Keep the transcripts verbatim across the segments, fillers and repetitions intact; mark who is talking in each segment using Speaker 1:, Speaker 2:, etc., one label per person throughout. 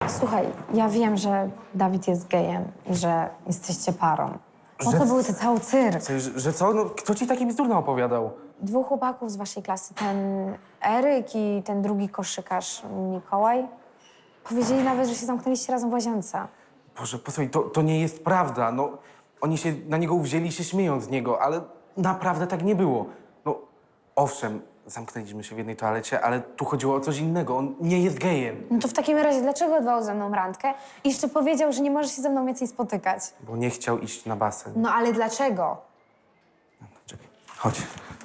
Speaker 1: Słuchaj, ja wiem, że Dawid jest gejem i że jesteście parą. Po
Speaker 2: Że-
Speaker 1: co były te cały cyrk?
Speaker 2: Że, że co? No, kto ci taki bzdurny opowiadał?
Speaker 1: Dwóch chłopaków z waszej klasy, ten Eryk i ten drugi koszykarz Mikołaj, powiedzieli nawet, że się zamknęliście razem w łazience.
Speaker 2: Boże, posłuchaj, to, to nie jest prawda. No, oni się na niego uwzięli i się śmieją z niego, ale naprawdę tak nie było. No, owszem, zamknęliśmy się w jednej toalecie, ale tu chodziło o coś innego. On nie jest gejem.
Speaker 1: No to w takim razie dlaczego odwołał ze mną randkę i jeszcze powiedział, że nie może się ze mną więcej spotykać?
Speaker 2: Bo nie chciał iść na basen.
Speaker 1: No ale dlaczego?
Speaker 2: Czekaj, chodź.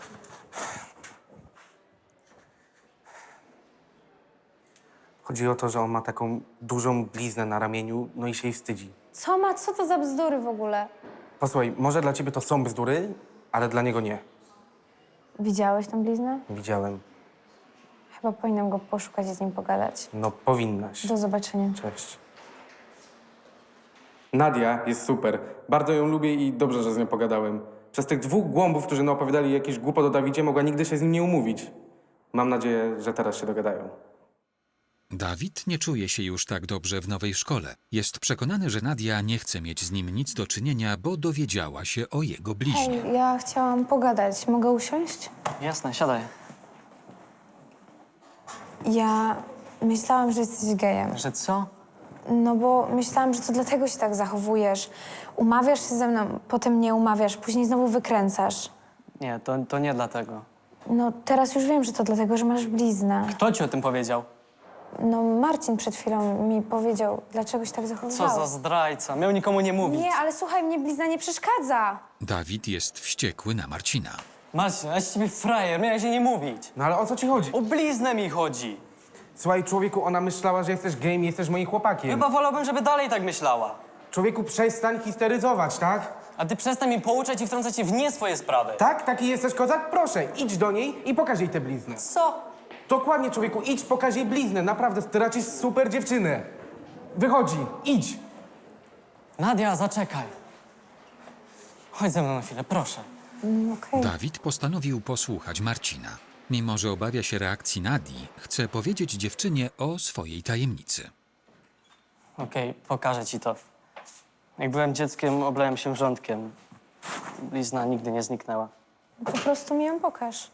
Speaker 2: Chodzi o to, że on ma taką dużą bliznę na ramieniu, no i się jej wstydzi.
Speaker 1: Co ma, co to za bzdury w ogóle?
Speaker 2: Posłuchaj, może dla ciebie to są bzdury, ale dla niego nie.
Speaker 1: Widziałeś tę bliznę?
Speaker 2: Widziałem.
Speaker 1: Chyba powinnam go poszukać i z nim pogadać.
Speaker 2: No, powinnaś.
Speaker 1: Do zobaczenia.
Speaker 2: Cześć. Nadia jest super. Bardzo ją lubię i dobrze, że z nią pogadałem. Przez tych dwóch głąbów, którzy naopowiadali jakieś głupot o Dawidzie, mogła nigdy się z nim nie umówić. Mam nadzieję, że teraz się dogadają.
Speaker 3: Dawid nie czuje się już tak dobrze w nowej szkole. Jest przekonany, że Nadia nie chce mieć z nim nic do czynienia, bo dowiedziała się o jego bliźnie.
Speaker 1: Hej, ja chciałam pogadać. Mogę usiąść?
Speaker 4: Jasne, siadaj.
Speaker 1: Ja myślałam, że jesteś gejem.
Speaker 4: Że co?
Speaker 1: No bo myślałam, że to dlatego się tak zachowujesz. Umawiasz się ze mną, potem nie umawiasz, później znowu wykręcasz.
Speaker 4: Nie, to, to nie dlatego.
Speaker 1: No teraz już wiem, że to dlatego, że masz bliznę.
Speaker 4: Kto ci o tym powiedział?
Speaker 1: No Marcin przed chwilą mi powiedział, dlaczego się tak
Speaker 4: Co
Speaker 1: zachowywałeś.
Speaker 4: za zdrajca. Miał nikomu nie mówić.
Speaker 1: Nie, ale słuchaj, mnie blizna nie przeszkadza.
Speaker 3: Dawid jest wściekły na Marcina.
Speaker 4: Marcin, ja z ciebie frajer, miałeś jej nie mówić.
Speaker 2: No ale o co ci chodzi?
Speaker 4: O bliznę mi chodzi.
Speaker 2: Słuchaj, człowieku, ona myślała, że jesteś gejem i jesteś moim chłopakiem.
Speaker 4: Chyba wolałbym, żeby dalej tak myślała.
Speaker 2: Człowieku, przestań histeryzować, tak?
Speaker 4: A ty przestań mi pouczać i wtrącać się w nie swoje sprawy.
Speaker 2: Tak? Taki jesteś kozak? Proszę, idź do niej i pokaż jej tę bliznę.
Speaker 4: Co?
Speaker 2: Dokładnie, człowieku, idź, pokaż jej bliznę. Naprawdę, ty raczysz super dziewczynę. Wychodzi, idź.
Speaker 4: Nadia, zaczekaj. Chodź ze mną na chwilę, proszę.
Speaker 1: Mm, Okej.
Speaker 3: Dawid postanowił posłuchać Marcina. Mimo że obawia się reakcji Nadii, chce powiedzieć dziewczynie o swojej tajemnicy.
Speaker 4: Okej, pokażę ci to. Jak byłem dzieckiem, oblałem się wrzątkiem. Blizna nigdy nie zniknęła.
Speaker 1: Po prostu mi ją pokaż.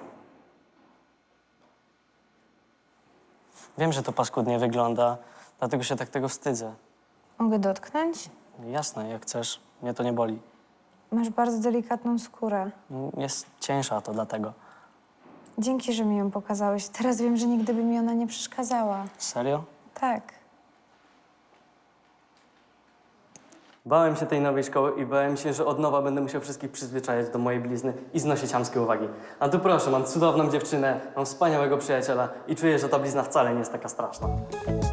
Speaker 4: Wiem, że to paskudnie wygląda, dlatego się tak tego wstydzę.
Speaker 1: Mogę dotknąć?
Speaker 4: Jasne, jak chcesz, mnie to nie boli.
Speaker 1: Masz bardzo delikatną skórę.
Speaker 4: Jest cieńsza, to dlatego.
Speaker 1: Dzięki, że mi ją pokazałeś. Teraz wiem, że nigdy by mi ona nie przeszkadzała.
Speaker 4: Serio?
Speaker 1: Tak.
Speaker 4: Bałem się tej nowej szkoły i bałem się, że od nowa będę musiał wszystkich przyzwyczajać do mojej blizny i znosić chamskie uwagi. A tu proszę, mam cudowną dziewczynę, mam wspaniałego przyjaciela i czuję, że ta blizna wcale nie jest taka straszna.